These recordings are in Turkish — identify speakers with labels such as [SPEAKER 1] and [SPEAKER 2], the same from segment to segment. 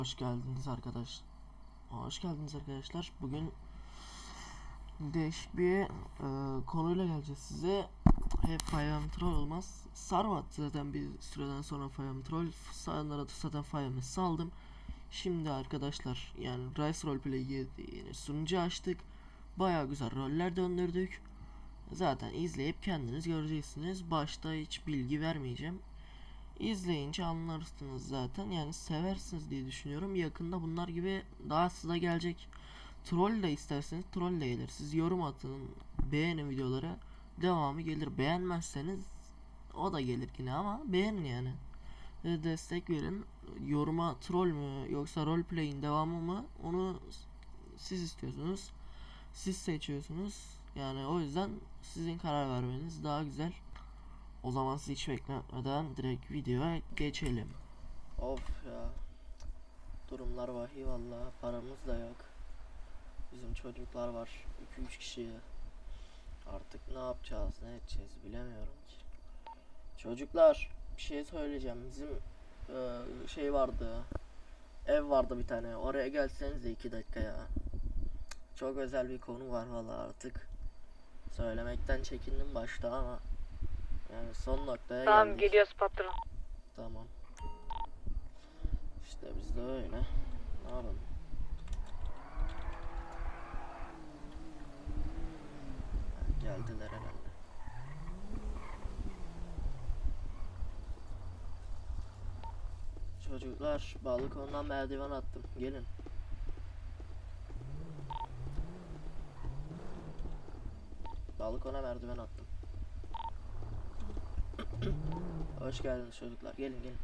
[SPEAKER 1] Hoş geldiniz arkadaş. Hoş geldiniz arkadaşlar. Bugün değişik bir konuyla geleceğiz size. Hep Fire Troll olmaz. Sarmadı zaten bir süreden sonra Fire Troll. Sayanlara da zaten Fire'ı saldım. Şimdi arkadaşlar yani Rise Roleplay yeni sunucu açtık. Baya güzel roller döndürdük. Zaten izleyip kendiniz göreceksiniz. Başta hiç bilgi vermeyeceğim. İzleyince anlarsınız zaten, yani seversiniz diye düşünüyorum. Yakında bunlar gibi daha size gelecek. Troll de isterseniz troll de gelir. Siz yorum atın, beğenin videolara, devamı gelir. Beğenmezseniz o da gelir yine, ama beğenin yani. Destek verin. Yoruma troll mü yoksa roleplay'in devamı mı, onu siz istiyorsunuz. Siz seçiyorsunuz. Yani o yüzden sizin karar vermeniz daha güzel. O zaman sizi hiç bekletmeden direkt videoya geçelim. Of ya. Durumlar vahiy valla. Paramız da yok. Bizim çocuklar var. 2-3 kişi. Artık ne yapacağız, ne edeceğiz bilemiyorum ki. Çocuklar, bir şey söyleyeceğim. Bizim şey vardı. Ev vardı bir tane. Oraya gelseniz de 2 dakika ya. Çok özel bir konu var valla artık. Söylemekten çekindim başta ama yani son noktaya
[SPEAKER 2] Tamam,
[SPEAKER 1] geldik.
[SPEAKER 2] geliyoruz patron.
[SPEAKER 1] Tamam. İşte biz de öyle. Ne yapalım? Geldiler herhalde. Çocuklar, balkondan merdiven attım. Gelin. Balkona merdiven attım. Hoş geldiniz çocuklar. Gelin gelin.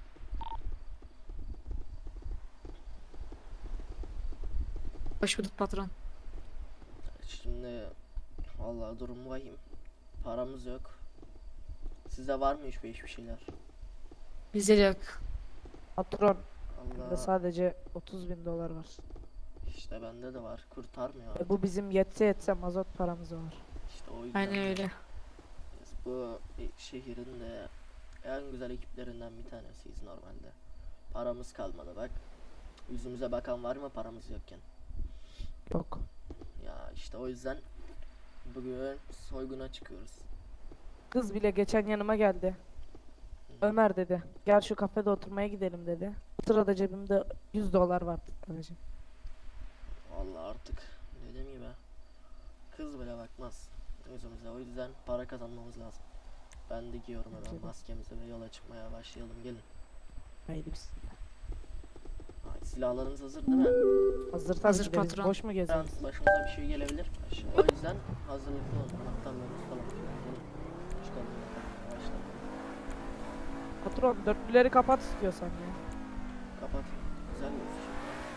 [SPEAKER 2] Hoş bulduk patron.
[SPEAKER 1] Şimdi vallahi durum vahim. Paramız yok. Size var mı hiçbir şeyler?
[SPEAKER 2] Bizde de yok.
[SPEAKER 3] Patron, bende
[SPEAKER 1] Allah,
[SPEAKER 3] sadece 30.000 dolar var.
[SPEAKER 1] işte bende de var. Kurtarmıyor.
[SPEAKER 3] Bu bizim yetse mazot paramız var.
[SPEAKER 1] İşte o yüzden.
[SPEAKER 2] Aynen öyle.
[SPEAKER 1] Biz bu şehrin de en güzel ekiplerinden bir tanesiyiz normalde. Paramız kalmadı bak. Yüzümüze bakan var mı paramız yokken?
[SPEAKER 3] Yok.
[SPEAKER 1] Ya işte o yüzden bugün soyguna çıkıyoruz.
[SPEAKER 3] Kız bile geçen yanıma geldi. Ömer dedi. Gel şu kafede oturmaya gidelim dedi. O sırada cebimde 100 dolar vardı sadece.
[SPEAKER 1] Vallahi artık dediğim gibi kız bile bakmaz yüzümüze, o yüzden para kazanmamız lazım. Ben de giyiyorum hemen
[SPEAKER 3] Bence de.
[SPEAKER 1] maskemizi ve yola çıkmaya başlayalım, gelin.
[SPEAKER 3] Haydi bismillah.
[SPEAKER 1] Ay, silahlarınız hazır değil mi?
[SPEAKER 3] Hazır tabii
[SPEAKER 2] Hazır
[SPEAKER 3] ki de biz
[SPEAKER 2] patron.
[SPEAKER 3] boş mu geziyoruz?
[SPEAKER 1] Başımıza bir şey gelebilir. O yüzden hazırlıklı olun. Anahtarlarınızı falan. Gelin. Çıkalım. Başlayalım.
[SPEAKER 3] Patron dörtlüleri kapat istiyorsan ya.
[SPEAKER 1] Kapat. Güzel gözüküyor.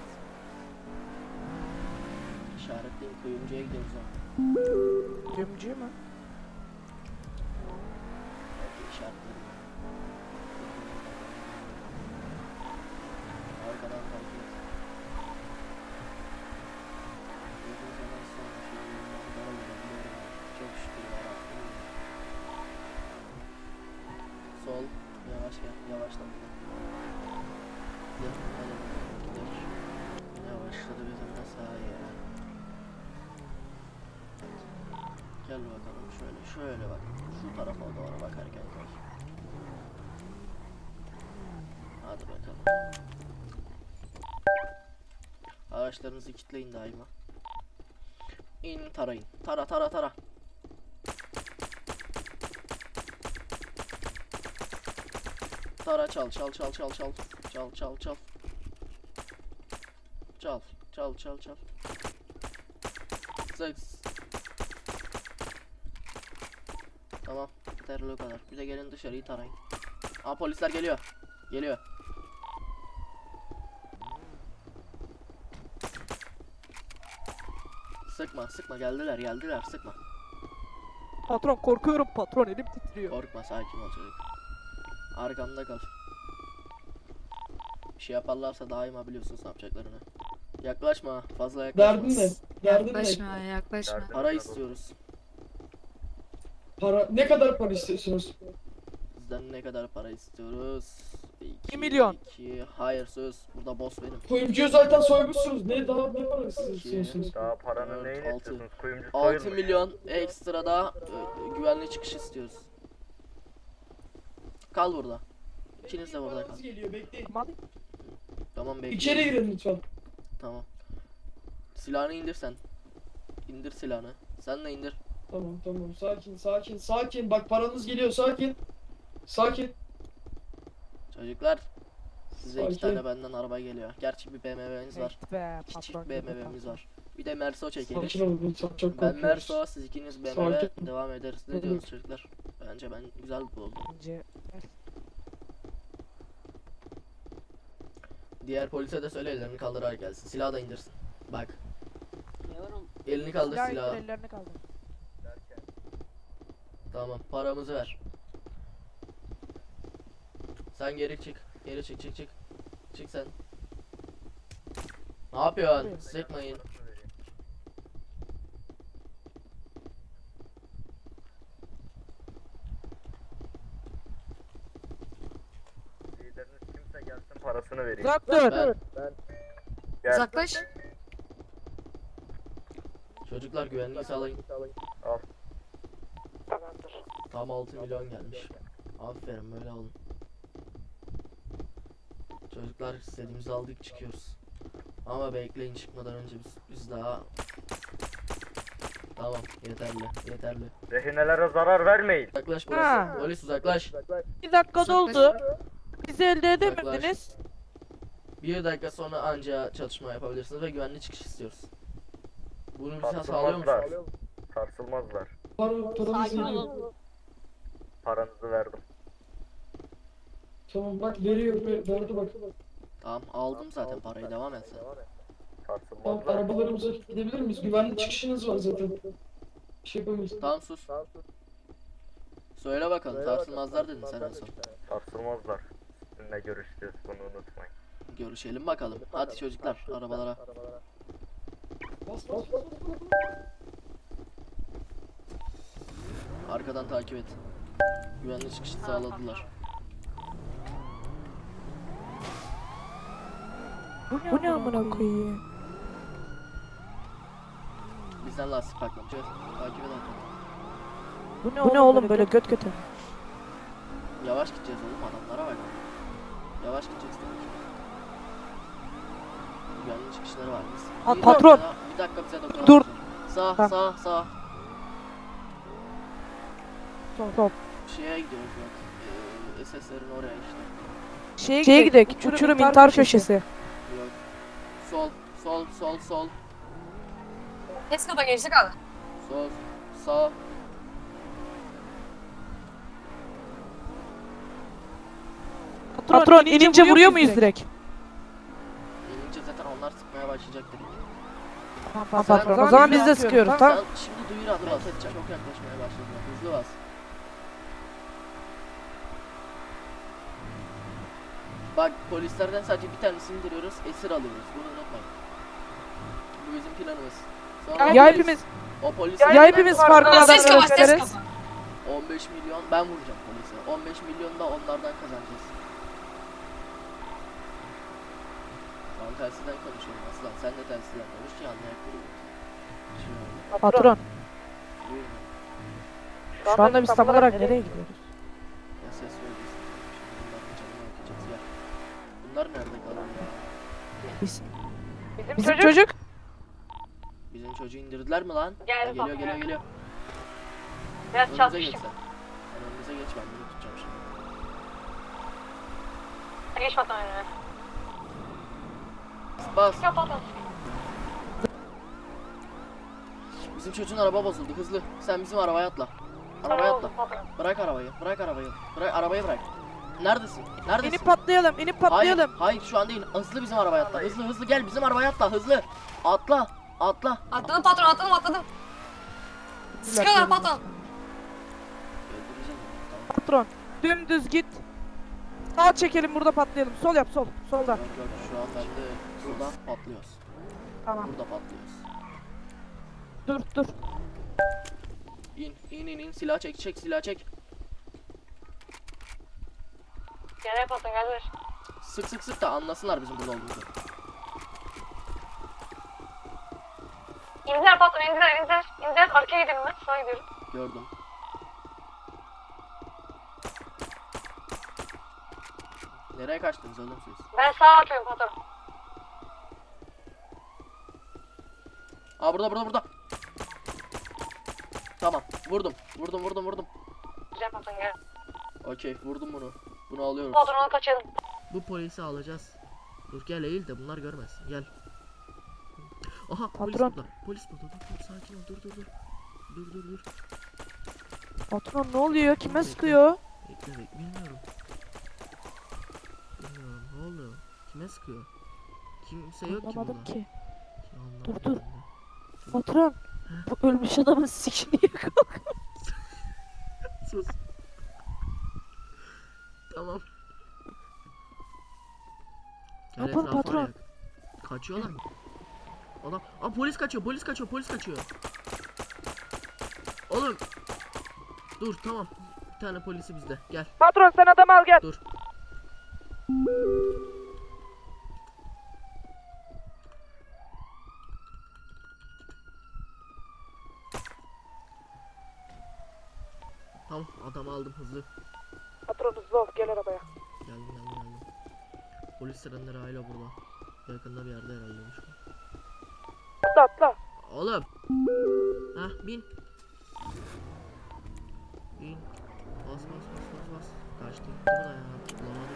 [SPEAKER 1] İşaretleyin, kuyumcuya gidiyoruz ha.
[SPEAKER 3] Cümcü mü?
[SPEAKER 1] Belki işaretledim. Arkadan takip et. Uzun zaman sonra şöyle bir manzara görebiliyorum. Çok şükür yarabbim. Sol. Yavaş gel. Yavaşla. Gidelim. Hadi bakalım. Gidelim. Yavaşladı bizim de sağa ya. Gel bakalım şöyle. Şöyle bak. Şu tarafa doğru bakarken koy. Hadi bakalım. Araçlarınızı kilitleyin daima. İn, tarayın. Tara tara tara. Tara, çal çal çal çal çal. Çal çal çal. Çal çal çal çal. Seks. Tamam. Yeterli o kadar. Bir de gelin dışarıyı tarayın. Aa, polisler geliyor. Geliyor. Sıkma sıkma, geldiler sıkma.
[SPEAKER 3] Patron korkuyorum patron, elim titriyor.
[SPEAKER 1] Korkma, sakin ol çocuk. Arkamda kal. Bir şey yaparlarsa daima biliyorsunuz ne yapacaklarını. Yaklaşma, fazla yaklaşma.
[SPEAKER 4] Derdin ne? Derdin ne?
[SPEAKER 2] Yaklaşma, yaklaşma.
[SPEAKER 1] Para istiyoruz.
[SPEAKER 4] Para ne kadar para istiyorsunuz?
[SPEAKER 1] Bizden ne kadar para istiyoruz?
[SPEAKER 3] 2 milyon.
[SPEAKER 1] 2. Hayır söz. Burada boss benim.
[SPEAKER 4] Kuyumcuyu zaten soymuşsunuz. Ne daha ne parası
[SPEAKER 1] İki.
[SPEAKER 4] istiyorsunuz?
[SPEAKER 5] Daha paranın
[SPEAKER 1] Dört,
[SPEAKER 5] neyini
[SPEAKER 1] altı.
[SPEAKER 5] istiyorsunuz? Kuyumcu
[SPEAKER 1] 6
[SPEAKER 5] soyulmuş.
[SPEAKER 1] milyon ekstra da güvenli çıkış istiyoruz. Kal burada. İkiniz de burada kal.
[SPEAKER 4] Paranız geliyor bekleyin.
[SPEAKER 1] Tamam bekle.
[SPEAKER 4] İçeri girin lütfen.
[SPEAKER 1] Tamam. Silahını indir sen. İndir silahını. Sen de indir.
[SPEAKER 4] Tamam sakin. Bak paranız geliyor sakin. Sakin.
[SPEAKER 1] Çocuklar. Size 2
[SPEAKER 4] Sakin.
[SPEAKER 1] tane benden araba geliyor. Gerçi bir BMW'miz var.
[SPEAKER 3] Be,
[SPEAKER 1] Küçük
[SPEAKER 3] patron.
[SPEAKER 1] BMW'miz var. Bir de Merso çekelim.
[SPEAKER 4] Sakin olun lütfen çok
[SPEAKER 1] Ben
[SPEAKER 4] korkuyoruz.
[SPEAKER 1] Merso, siz ikiniz BMW
[SPEAKER 4] Sakin.
[SPEAKER 1] devam ederiz. Ne
[SPEAKER 4] Evet.
[SPEAKER 1] diyorsunuz çocuklar? Bence ben güzel buldum.
[SPEAKER 3] Bence
[SPEAKER 1] Diğer polise de söyle ellerini kaldırarak gelsin. Silahı da indirsin. Bak. Elini kaldır
[SPEAKER 3] silah
[SPEAKER 1] silahı.
[SPEAKER 3] indir, ellerini kaldır.
[SPEAKER 1] Tamam, paramızı ver. Sen geri çık. Geri çık. Çık sen. Ne yapıyorsun? Sıkmayın.
[SPEAKER 5] Lideriniz kimse gelsin parasını vereyim.
[SPEAKER 3] Uzak dur.
[SPEAKER 1] Ben,
[SPEAKER 5] Gel.
[SPEAKER 2] Uzaklaş.
[SPEAKER 1] çocuklar güvenliği sağlayın.
[SPEAKER 5] Al.
[SPEAKER 1] Tam 6 milyon gelmiş. Aferin böyle olun. Çocuklar istediğimizi aldık çıkıyoruz. Ama bekleyin çıkmadan önce biz daha... Tamam yeterli.
[SPEAKER 5] Rehinelere zarar vermeyin.
[SPEAKER 1] Uzaklaş
[SPEAKER 3] Ha.
[SPEAKER 1] burası. Polis uzaklaş.
[SPEAKER 3] 2 dakika
[SPEAKER 2] Uzaklaş.
[SPEAKER 3] doldu. Bizi elde edemediniz.
[SPEAKER 1] 1 dakika sonra anca çatışma yapabilirsiniz ve güvenli çıkış istiyoruz. Bunu bize sağlıyor
[SPEAKER 5] Sarsılmazlar.
[SPEAKER 1] musunuz?
[SPEAKER 5] Sarsılmazlar.
[SPEAKER 4] Paranız geliyor.
[SPEAKER 5] Paranızı verdim.
[SPEAKER 4] Tamam bak veriyor verdi bak.
[SPEAKER 1] Tamam aldım zaten parayı devam et sen.
[SPEAKER 4] Tamam
[SPEAKER 5] Sarsılmazlar.
[SPEAKER 4] arabalarımıza gidebilir miyiz? Güvenli çıkışınız var zaten. Bir şey yapamayız.
[SPEAKER 1] Tamam sus. Söyle bakalım sarsılmazlar dedin sen en son.
[SPEAKER 5] Sarsılmazlar. Sizinle görüşeceğiz, bunu unutmayın.
[SPEAKER 1] Görüşelim bakalım. Hadi çocuklar arabalara.
[SPEAKER 4] Bas.
[SPEAKER 1] Arkadan takip et. Güvenli çıkışı sağladılar.
[SPEAKER 3] Bu ne amına koyayım?
[SPEAKER 1] Bizden lastik patlamayacak. Takip et arkadan.
[SPEAKER 3] Bu ne oğlum böyle göt göte?
[SPEAKER 1] Yavaş gideceğiz oğlum adamlara bak. Yavaş gideceğiz tabii ki. Güvenli çıkışları var biz.
[SPEAKER 3] Patron.
[SPEAKER 1] Bir dakika bize dokunalım.
[SPEAKER 3] Dur.
[SPEAKER 1] Sağ
[SPEAKER 3] Ha.
[SPEAKER 1] sağ.
[SPEAKER 3] Top.
[SPEAKER 1] Şeye gidiyoruz bak. SS'lerin oraya işte.
[SPEAKER 3] Şeye gidelim. Uçurum intihar köşesi.
[SPEAKER 1] Yok. Sol.
[SPEAKER 2] Tesco'da geçtik abi.
[SPEAKER 1] Sol. Sağ.
[SPEAKER 3] Patron inince vuruyor muyuz direkt?
[SPEAKER 1] İnince zaten onlar sıkmaya başlayacak direkt.
[SPEAKER 3] Tamam patron. O zaman biz de sıkıyoruz tamam.
[SPEAKER 1] Sen şimdi duyur adı bas. Çok yaklaşmaya başladılar. Hızlı bas. Bak polislerden sadece bir tanesini indiriyoruz. Esir alıyoruz. Bunu unutmayın. Bu bizim planımız. Sonra
[SPEAKER 3] Ya
[SPEAKER 1] polis-
[SPEAKER 3] hepimiz
[SPEAKER 1] o polis
[SPEAKER 3] ya hepimiz farklı
[SPEAKER 2] Ses kapat,
[SPEAKER 3] adamlara
[SPEAKER 2] ses
[SPEAKER 3] veririz.
[SPEAKER 2] kapat.
[SPEAKER 1] 15 milyon ben vuracağım polise. 15 milyon da onlardan kazanacağız. Şu an telsizden konuşuyorum aslan. Sen de telsizden konuş ki anlayabilirim. Şöyle.
[SPEAKER 3] Patron
[SPEAKER 1] Buyurun.
[SPEAKER 3] şu anda biz tam olarak nereye gidiyoruz?
[SPEAKER 1] Ya ses veriyorsun. Şimdi bunların canını okuyacağız ya. Bunlar nerede kalıyor ya?
[SPEAKER 3] Bizim çocuk
[SPEAKER 1] Bizim çocuğu indirdiler mi lan?
[SPEAKER 2] Geldi
[SPEAKER 1] Ha,
[SPEAKER 2] bak.
[SPEAKER 1] geliyor.
[SPEAKER 2] Biraz
[SPEAKER 1] Önümüze geç sen. Sen önümüze geç ben bunu tutacağım şimdi.
[SPEAKER 2] Geç patron önüne.
[SPEAKER 1] Bas.
[SPEAKER 2] Ya patron.
[SPEAKER 1] Bizim çocuğun araba bozuldu hızlı. Sen bizim arabaya atla. Arabaya atla. Bırak arabayı. Bırak arabayı bırak. Neredesin?
[SPEAKER 3] inip patlayalım
[SPEAKER 1] Hayır, hayır şu an değil. Hızlı bizim arabaya atla. Hızlı gel bizim arabaya atla. Hızlı. Atla.
[SPEAKER 2] Atladım patron atladım. Sıkıyorlar patron.
[SPEAKER 1] Öldüreceğim onu, tamam.
[SPEAKER 3] Patron dümdüz git. Sağ çekelim burada patlayalım. Sol yap sol. Solda.
[SPEAKER 1] Yok, şu an bende burada patlıyoruz.
[SPEAKER 3] Tamam.
[SPEAKER 1] Burada patlıyoruz.
[SPEAKER 3] Dur.
[SPEAKER 1] İn. Silah çek.
[SPEAKER 2] Gel patron gel ver.
[SPEAKER 1] Sık sık sık da anlasınlar bizim burada olduğumuzu.
[SPEAKER 2] İndiler patron, indiler, indiler. İndiler, arkaya gidelim ben. Sağa gidiyorum.
[SPEAKER 1] Gördüm. Nereye kaçtınız oğlum siz?
[SPEAKER 2] Ben sağa atıyorum patron.
[SPEAKER 1] Aa burada. Tamam vurdum.
[SPEAKER 2] Güzel patron gel.
[SPEAKER 1] Okey vurdum bunu. Bunu alıyoruz.
[SPEAKER 2] Patron onu kaçalım.
[SPEAKER 1] Bu polisi alacağız. Dur gel eğil de bunlar görmesin. Gel. Aha polis
[SPEAKER 3] Patron.
[SPEAKER 1] burada. Polis burada. Dur sakin ol. Dur.
[SPEAKER 3] Patron ne oluyor? Kime
[SPEAKER 1] Bekle.
[SPEAKER 3] sıkıyor?
[SPEAKER 1] Bekle bilmiyorum. Ne oluyor? Kime sıkıyor? Kimse yok ki
[SPEAKER 3] Anlamadım
[SPEAKER 1] burada.
[SPEAKER 3] ki.
[SPEAKER 1] Anlamadım
[SPEAKER 3] Dur.
[SPEAKER 1] ben de.
[SPEAKER 3] Patron. Bu ölmüş adamın sikini yakal.
[SPEAKER 1] Sus. Tamam. Gel
[SPEAKER 3] Yapın
[SPEAKER 1] etrafa
[SPEAKER 3] patron.
[SPEAKER 1] arayak. Kaçıyorlar mı? Adam. Aa polis kaçıyor. Oğlum. Dur tamam. Bir tane polisi bizde. Gel.
[SPEAKER 3] Patron sen adamı al gel.
[SPEAKER 1] Dur. Tamam adamı aldım hızlı.
[SPEAKER 3] Patron hızlı ol gel arabaya.
[SPEAKER 1] Geldim. Polis sirenleri hala burada. Yakında bir yerde herhalde.
[SPEAKER 3] Atla.
[SPEAKER 1] Oğlum. Hah bin. Bin. Bas. Kaçtı gitti bu da ya. Bulamadık.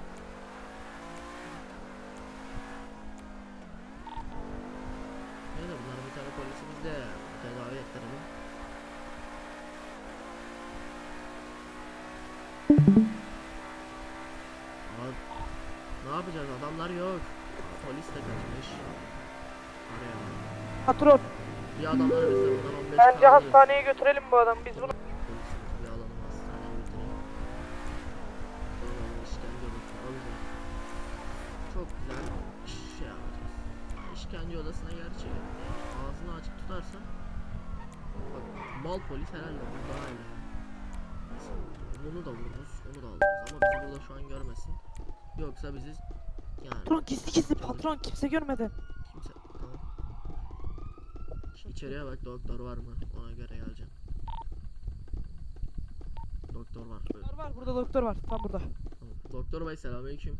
[SPEAKER 1] Neyse bunların bir tane polisi bizde. Tedavi ettirelim. Abi, ne yapacağız? Adamlar yok. Polis de kaçmış. Araya bak.
[SPEAKER 3] Patron
[SPEAKER 1] Bir adamlar bizde buradan 15
[SPEAKER 3] bence
[SPEAKER 1] kaldırırız.
[SPEAKER 3] hastaneye götürelim bu adamı biz bunu.
[SPEAKER 1] Polisimiz bir alalım hastaneye götürelim. Sonra işkence odasına alacağız. Çok güzel şey yapacağız. İşkence odasına gerçi ağzını açık tutarsan bak mal polis herhalde burada hala. Bunu da vururuz, onu da alırız ama bizi burada şu an görmesin. Yoksa bizi yani
[SPEAKER 3] Patron gizli patron kimse görmeden.
[SPEAKER 1] kimse tamam. İçeriye bak doktor var mı? Ona göre geleceğim. Doktor var.
[SPEAKER 3] Var burada doktor var tam burada.
[SPEAKER 1] Tamam. Doktor bey selamünaleyküm.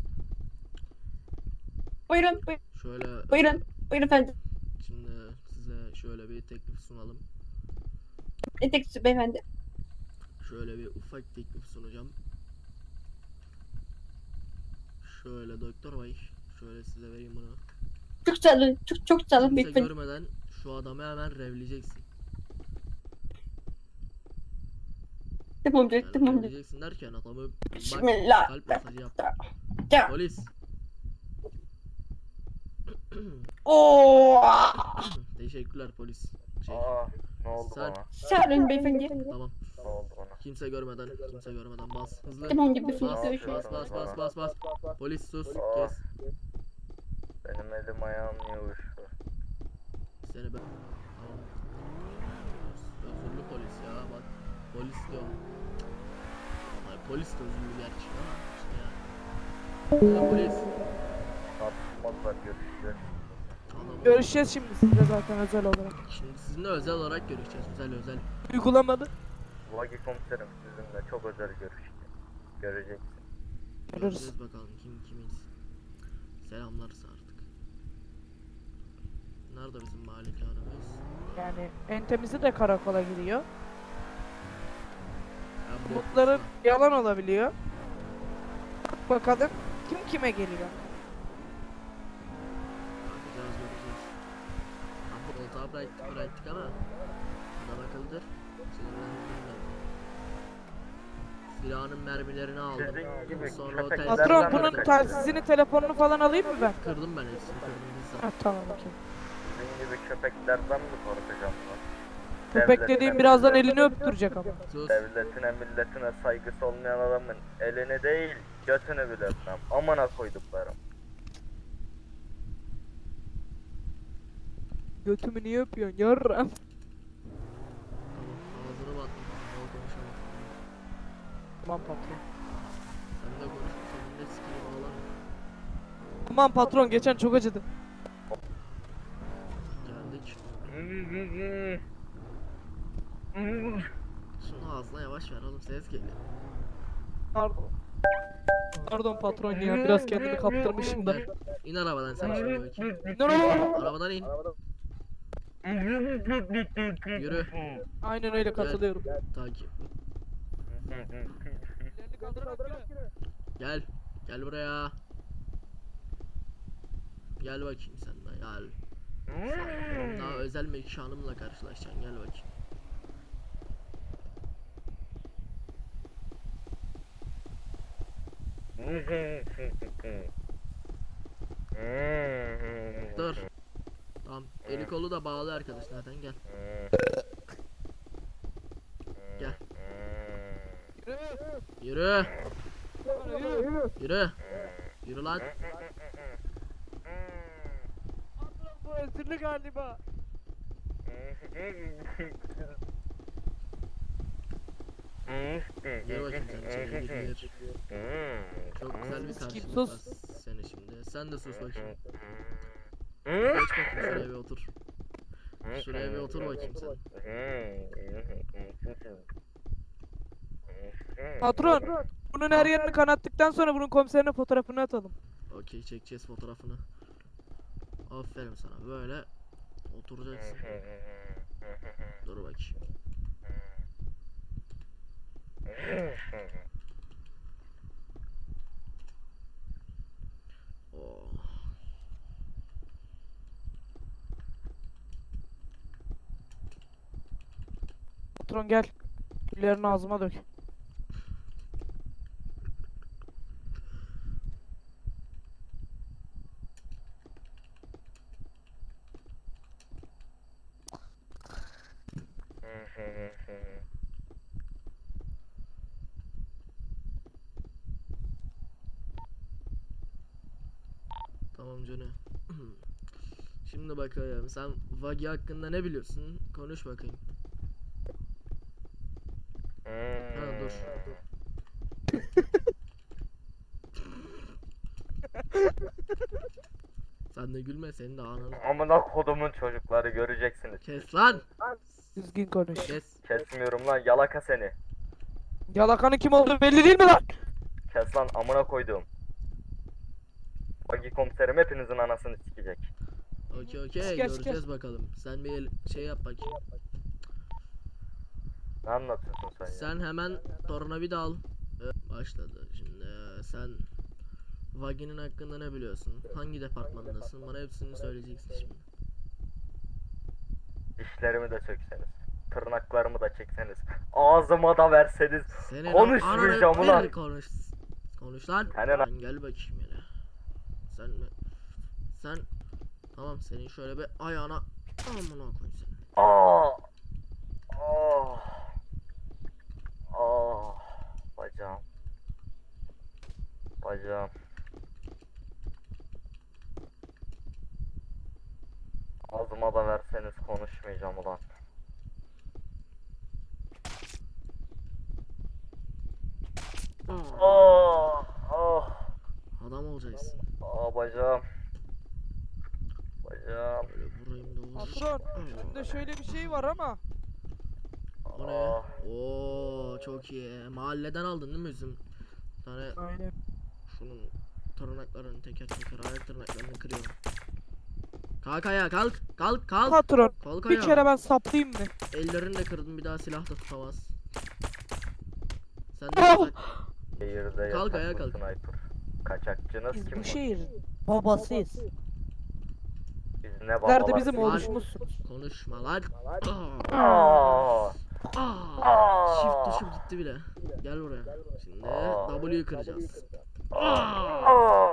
[SPEAKER 2] Buyurun,
[SPEAKER 1] Şöyle
[SPEAKER 2] buyurun efendim.
[SPEAKER 1] şimdi size şöyle bir teklif sunalım.
[SPEAKER 2] Ne teklifi beyefendi?
[SPEAKER 1] Şöyle bir ufak teklif sunacağım. Şöyle doktor bey, şöyle size vereyim bunu.
[SPEAKER 2] Çok sağ olun, çok sağ olun
[SPEAKER 1] Kimse
[SPEAKER 2] beyefendi.
[SPEAKER 1] görmeden şu adamı hemen revleyeceksin.
[SPEAKER 2] Tamamdır,
[SPEAKER 1] Yani
[SPEAKER 2] tamamdır.
[SPEAKER 1] revleyeceksin derken adamı bak
[SPEAKER 2] Bismillah.
[SPEAKER 1] kalp masajı yap.
[SPEAKER 2] Tamam.
[SPEAKER 1] Polis.
[SPEAKER 2] Oo.
[SPEAKER 1] Teşekkürler polis. Şey,
[SPEAKER 5] Ne oldu
[SPEAKER 1] Sen-
[SPEAKER 5] bana?
[SPEAKER 2] Sağ olun beyefendi.
[SPEAKER 1] tamam.
[SPEAKER 5] Ne oldu bana?
[SPEAKER 1] Kimse görmeden bas hızlı.
[SPEAKER 2] Tamamdır beyefendi,
[SPEAKER 1] Bas,
[SPEAKER 2] görüşürüz.
[SPEAKER 1] bas. Polis sus,
[SPEAKER 5] Aa.
[SPEAKER 1] kes.
[SPEAKER 5] Benim elim ayağım niye uyuştu?
[SPEAKER 1] Seni ben... Tamam. Özürlü polis ya bak. Polis diyorum. Hayır polis de özürlü gerçi ama işte ya. Ya polis.
[SPEAKER 5] Tartışmazlar görüşeceğiz.
[SPEAKER 1] Tamam.
[SPEAKER 3] Görüşeceğiz şimdi sizle zaten özel olarak.
[SPEAKER 1] Şimdi sizinle özel olarak görüşeceğiz. Özel.
[SPEAKER 3] Uygulamalı.
[SPEAKER 5] Vagi komiserim sizinle çok özel görüşeceğim. Göreceksin.
[SPEAKER 3] Görürüz.
[SPEAKER 1] Göreceğiz bakalım kimiz. Selamlarız artık. Nerede bizim malikanemiz?
[SPEAKER 3] Yani en temizi de karakola gidiyor.
[SPEAKER 1] Ya bu-
[SPEAKER 3] Umutların yalan olabiliyor. Bakalım kim kime geliyor.
[SPEAKER 1] Göreceğiz. Koltuğa bıraktık ama adam akıllıdır. Sinirlendim ben. Silahının mermilerini aldım.
[SPEAKER 5] Sizin gibi
[SPEAKER 1] Sonra o
[SPEAKER 5] köpeklerden
[SPEAKER 1] telsizleri
[SPEAKER 3] Patron
[SPEAKER 5] ben
[SPEAKER 3] bunun
[SPEAKER 5] kaçıyorum.
[SPEAKER 3] telsizini telefonunu falan alayım mı ben?
[SPEAKER 1] kırdım ben hepsini bizzat.
[SPEAKER 3] Ha tamam okey.
[SPEAKER 5] Sizin gibi köpeklerden mi korkacağım lan?
[SPEAKER 3] Köpek
[SPEAKER 5] Devletine,
[SPEAKER 3] dediğim birazdan
[SPEAKER 5] milletine-
[SPEAKER 3] elini öptürecek ama.
[SPEAKER 1] Sus.
[SPEAKER 5] Devletine milletine saygısı olmayan adamın elini değil götünü bile öpmem. Amına koyduklarım.
[SPEAKER 3] Götümü niye öpüyorsun yarram?
[SPEAKER 1] Tamam ağzını battım. Bol konuşamam.
[SPEAKER 3] Tamam patron.
[SPEAKER 1] Sen de konuş. Senin de sikini bağlar.
[SPEAKER 3] Aman patron geçen çok acıdı.
[SPEAKER 1] Geldik. Şunu ağzına yavaş ver oğlum, ses geliyor.
[SPEAKER 3] Pardon. Pardon patron ya biraz kendimi kaptırmışım da.
[SPEAKER 1] Gel. İn arabadan sen şimdi bakayım.
[SPEAKER 3] No.
[SPEAKER 1] Arabadan in. Yürü.
[SPEAKER 3] Aynen öyle katılıyorum.
[SPEAKER 1] Takip.
[SPEAKER 3] Ellerini kaldırarak yürü.
[SPEAKER 1] Gel. Gel buraya. Gel bakayım sen de gel. Sen daha özel mekanımla karşılaşacaksın, gel bakayım. Dur. Tamam. Eli kolu da bağlı arkadaş zaten, gel. Gel.
[SPEAKER 3] Yürü.
[SPEAKER 1] Yürü.
[SPEAKER 3] Yürü.
[SPEAKER 1] Yürü. Yürü lan.
[SPEAKER 3] Patron bu esirli galiba.
[SPEAKER 1] Gel bakayım sen içeri gir. Çok güzel bir
[SPEAKER 3] Sus,
[SPEAKER 1] karşılık
[SPEAKER 3] sus.
[SPEAKER 1] var seni şimdi. Sen de sus bakayım. Geç bakayım şuraya bir otur. Şuraya bir otur bakayım sen.
[SPEAKER 3] Patron. Bunun her yerini kanattıktan sonra bunun komiserine fotoğrafını atalım.
[SPEAKER 1] Okey, çekeceğiz fotoğrafını. Aferin sana, böyle oturacaksın. Dur bakayım. Oh.
[SPEAKER 3] Patron gel. Güllerini ağzıma dök.
[SPEAKER 1] Tamam canım. Şimdi bakayım, sen Vagi hakkında ne biliyorsun? Konuş bakayım. Ha dur. Sen de gülme, senin de ananı.
[SPEAKER 5] Amına kodumun çocukları göreceksiniz.
[SPEAKER 1] Kes lan.
[SPEAKER 3] Düzgün konuş.
[SPEAKER 1] Kes.
[SPEAKER 5] Kesmiyorum lan yalaka seni.
[SPEAKER 3] Yalakanın kim olduğu belli değil mi lan?
[SPEAKER 5] Kes lan amına koyduğum. Bagi komiserim hepinizin anasını sikecek.
[SPEAKER 1] Okey
[SPEAKER 3] Kes,
[SPEAKER 1] göreceğiz
[SPEAKER 3] kes.
[SPEAKER 1] bakalım. Sen bir şey yap bakayım.
[SPEAKER 5] Ne anlatıyorsun sen ya?
[SPEAKER 1] Sen hemen tornavida al. Başladı. Şimdi sen Vagi'nin hakkında ne biliyorsun? Hangi departmandasın? Bana hepsini söyleyeceksin şimdi.
[SPEAKER 5] Dişlerimi de sökseniz. Tırnaklarımı da çekseniz. Ağzıma da verseniz.
[SPEAKER 1] Senin
[SPEAKER 5] Konuşmayacağım
[SPEAKER 1] ananı
[SPEAKER 5] ulan.
[SPEAKER 1] bir konuş lan.
[SPEAKER 5] Senin
[SPEAKER 1] Lan gel bakayım yine. Sen tamam, senin şöyle bir ayağına amına koy seni.
[SPEAKER 5] Aa! Oh! Oh! Bacağım. Bacağım. Ağzıma da verseniz konuşmayacağım ulan. Oh! Oh!
[SPEAKER 1] Adam olacaksın.
[SPEAKER 5] Aa bacağım. Bacağım.
[SPEAKER 1] Böyle vurayım da vur.
[SPEAKER 3] Patron. Bende şöyle bir şey var ama.
[SPEAKER 1] O ne?
[SPEAKER 5] Aa.
[SPEAKER 1] Oo çok iyi. Mahalleden aldın değil mi üzüm? Bir tane
[SPEAKER 3] Aynen.
[SPEAKER 1] şunun tırnaklarını teker teker, ayak tırnaklarını kırıyorum. Kalk ayağa, kalk. Kalk.
[SPEAKER 3] Patron.
[SPEAKER 1] Kalk
[SPEAKER 3] Bir
[SPEAKER 1] ayağa.
[SPEAKER 3] kere ben saplayayım mı?
[SPEAKER 1] Ellerini de kırdın, bir daha silah da tutamaz. Sen de
[SPEAKER 3] Ah!
[SPEAKER 1] kalk.
[SPEAKER 5] Şehirde
[SPEAKER 1] Kalk, ayağa
[SPEAKER 5] yasaklı
[SPEAKER 1] kalk.
[SPEAKER 5] sniper. Kaçakçınız
[SPEAKER 3] Biz
[SPEAKER 5] kim
[SPEAKER 3] bu
[SPEAKER 5] var?
[SPEAKER 3] şehir babasıyız.
[SPEAKER 5] Biz ne
[SPEAKER 3] Nerede
[SPEAKER 5] babalar?
[SPEAKER 3] bizim
[SPEAKER 1] Lan.
[SPEAKER 3] oluşumuzsunuz.
[SPEAKER 1] Konuşma lan.
[SPEAKER 5] Aa!
[SPEAKER 1] Shift tuşum gitti bile. Gel buraya. Şimdi W'yu kıracağız.
[SPEAKER 5] Aa!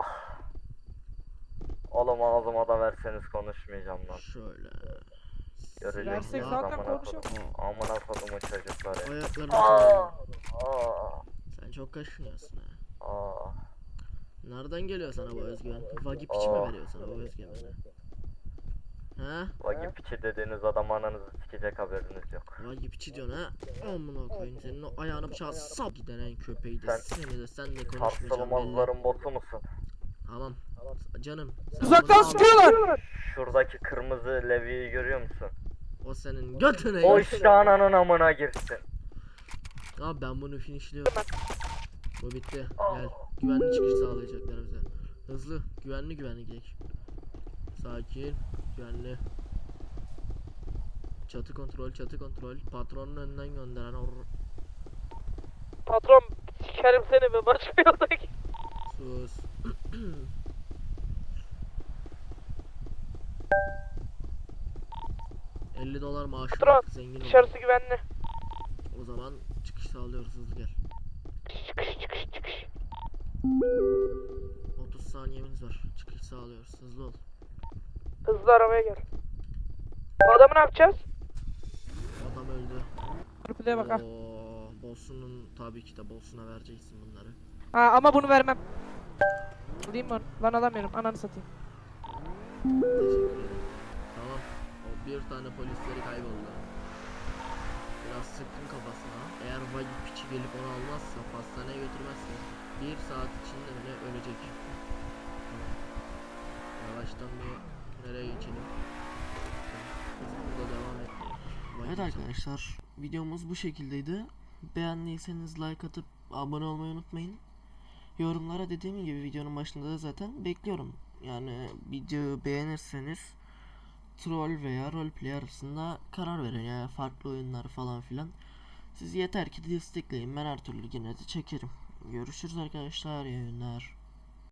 [SPEAKER 5] Oğlum ağzıma da verseniz konuşmayacağım lan.
[SPEAKER 1] Şöyle.
[SPEAKER 5] Göreceksiniz
[SPEAKER 3] Versek
[SPEAKER 1] Aa,
[SPEAKER 3] zaten
[SPEAKER 5] amına
[SPEAKER 3] konuşalım.
[SPEAKER 5] kodum. Amına kodumun çocukları.
[SPEAKER 1] Ayaklarını
[SPEAKER 5] Aa!
[SPEAKER 1] çalıyorum.
[SPEAKER 5] Aa!
[SPEAKER 1] Sen çok kaşınıyorsun ha.
[SPEAKER 5] Aa!
[SPEAKER 1] Nereden geliyor sana bu özgüven? Vagi piçi mi veriyor sana bu özgüveni? Ha?
[SPEAKER 5] Vagi piçi dediğiniz adam ananızı sikecek haberiniz yok.
[SPEAKER 1] Vagi piçi diyorsun ha? Amına koyayım, senin o ayağını bıçağı sap gidenen köpeği de
[SPEAKER 5] Sen-
[SPEAKER 1] seni de sen de konuşmayacağım belli.
[SPEAKER 5] Sarsılmazların botu musun?
[SPEAKER 1] Tamam. Canım. sen
[SPEAKER 3] Uzaktan
[SPEAKER 1] bunu al.
[SPEAKER 3] sıkıyorlar.
[SPEAKER 5] Şuradaki kırmızı levyeyi görüyor musun?
[SPEAKER 1] O senin götüne.
[SPEAKER 5] O
[SPEAKER 1] götüne.
[SPEAKER 5] işte ananın amına girsin.
[SPEAKER 1] Abi ben bunu finishliyorum. Bu bitti. Gel. Güvenli çıkış sağlayacaklar bize. Hızlı. Güvenli gidelim. Sakin. Güvenli. Çatı kontrol. Patronun önünden gönderen
[SPEAKER 3] Patron sikerim seni be başka yoldaki.
[SPEAKER 1] sus. $50 maaşı
[SPEAKER 3] Patron,
[SPEAKER 1] var. Zengin ol.
[SPEAKER 3] Dışarısı güvenli.
[SPEAKER 1] O zaman çıkış sağlıyoruz. Hızlı gel.
[SPEAKER 3] Çıkış.
[SPEAKER 1] 30 saniyemiz var. Çıkış sağlıyoruz. Hızlı ol.
[SPEAKER 3] Hızlı arabaya gel. Bu adamı ne yapacağız?
[SPEAKER 1] Adam öldü.
[SPEAKER 3] Replay'e bak ha.
[SPEAKER 1] Boss'unun tabii ki de boss'una vereceksin bunları.
[SPEAKER 3] Ha ama bunu vermem. Alayım mı? Lan alamıyorum. Ananı satayım.
[SPEAKER 1] Teşekkür ederim. Tamam. O bir tane polisleri kayboldu. Biraz sıktım kafasına. Eğer vagi piçi gelip onu almazsa, hastaneye götürmezse 1 saat içinde bile ölecek. Tamam. Yavaştan bir nereye geçelim? Biz burada devam et. Evet arkadaşlar, videomuz bu şekildeydi. Beğendiyseniz like atıp abone olmayı unutmayın. Yorumlara dediğim gibi videonun başında da zaten bekliyorum. Yani videoyu beğenirseniz troll veya roleplay arasında karar verin, yani farklı oyunlar falan filan. Siz yeter ki destekleyin, ben her türlü yine de çekerim. Görüşürüz arkadaşlar, iyi günler.